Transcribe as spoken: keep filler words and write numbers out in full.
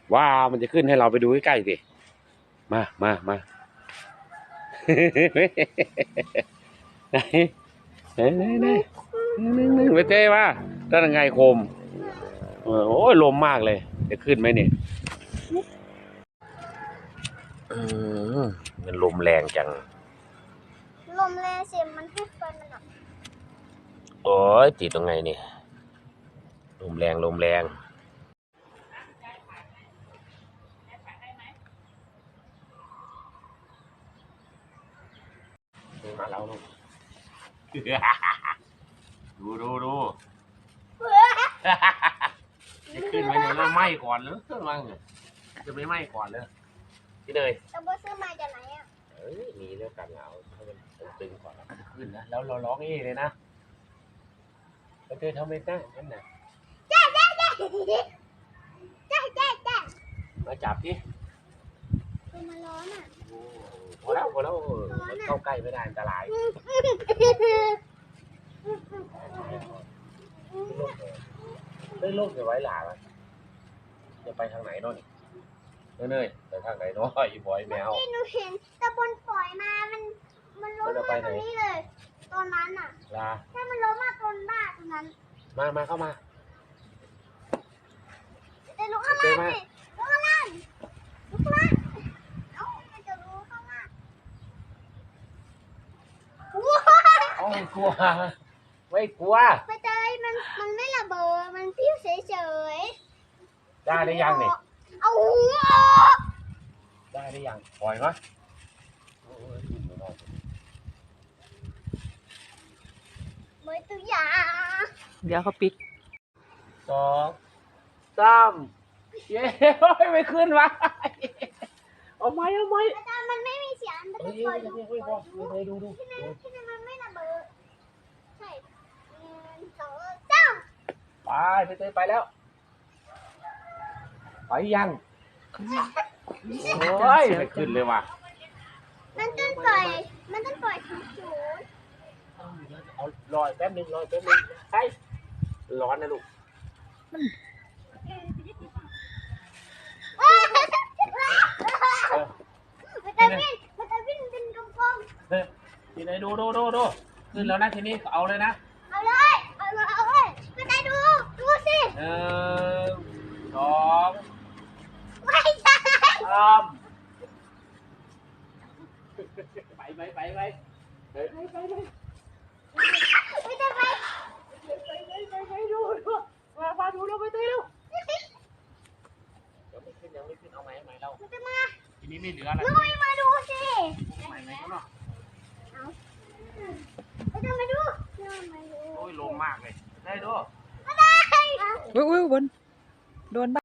ว้าวมันจะขึ้นให้เราไปดูใกล้ๆสิมามามาไหนไหนไหนไหนหนึ่งหนึ่งไปเต้มาด้านไงโคมโอ้ยลมมากเลยจะขึ้นไหมเนี่ยอืมมันลมแรงจังลมแรงเสียมันให้ไฟมันอ่ะโอ้ยติดตรงไงนี่ลมแรงลมแรงมาแล้วลูกดูดูดูจะขึ้นไหมเนี่ยแล้วไหม้ก่อนหรือเครื่องวังจะไม่ไหม้ก่อนเลยพี่เนยจะบ่ซื้อมาจากไหนอ่ะเอ้ยมีเรื่องการเหงาให้มันตึงก่อนแล้วขึ้นนะแล้วเราร้องเอ้เลยนะแล้วเธอทำไม่ได้นั่นน่ะจ้าจ้าจ้าจ้าจ้าจ้ามาจับดิคือมันร้อนอ่ะพอแล้วพอแล้วมันเข้าใกล้ไม่ได้อันตรายเฮ้ยโลกจะไว้หลาอ่ะจะไปทางไหนน้อนี่เนยไปทางไหนน้อยบอยแมวที่หนูเห็นตะบนปล่อยมามันมันล้มมาตรงนี้เลยตอนนั้นอ่ะลาถ้ามันล้มมาตรงบ้านตรงนั้นมามาเข้ามาแต่ลุกข้างล่างสิลุกข้างล่างลุกข้างล่างเอ้ามันจะลุกข้างล่างว้าโอ้กลัวไม่กลัวไปเตยมันมันไม่ระเบิดมันพิ้วเฉยๆได้ได้ยังนี่เอาหัวได้ได้ยังปล่อยมั้ยไม่ตัวยาเดี๋ยวเขาปิดสองสามเย้ไม่ขึ้นวะเอาไหมเอาไหมอาจารย์มันไม่มีเสียงมันจะปล่อยดูปล่อยดูดูดูที่นั่นที่นั่นมันไม่ระเบิดใช่หนึ่งสองสามไปไปเตยไปแล้วไปยังโอ้ยไม่ขึ้นเลยว่ะมันต้องปล่อยมันต้องปล่อยถึงศูนย์เอาลอยแป๊บนึงลอยแป๊บนึงใช่ร้อนนะลูกมันจะวิ่งมันจะวิ่งเป็นกลมๆทีไหนดูดูดูดูขึ้นแล้วนะทีนี้เอาเลยนะเอาเลยเอาเลยเอาเลยมันจะดูดูสิหนึ่งสองไม่ใช่สามไปไปไปไปไปไปไปไปไม่จะไปไปดูดูมามาดูเราไปตีดูยังไม่ขึ้นยังไม่ขึ้นเอาไหมเอาไหมเรามันจะมาทีนี้ไม่เหลืออะไรลุยมาดูสิไหมไหมเนาะเอาไม่ต้องมาดูโอ้ยลงมากเลยได้ดูไม่ได้อุ้ยอุ้ยบนโดน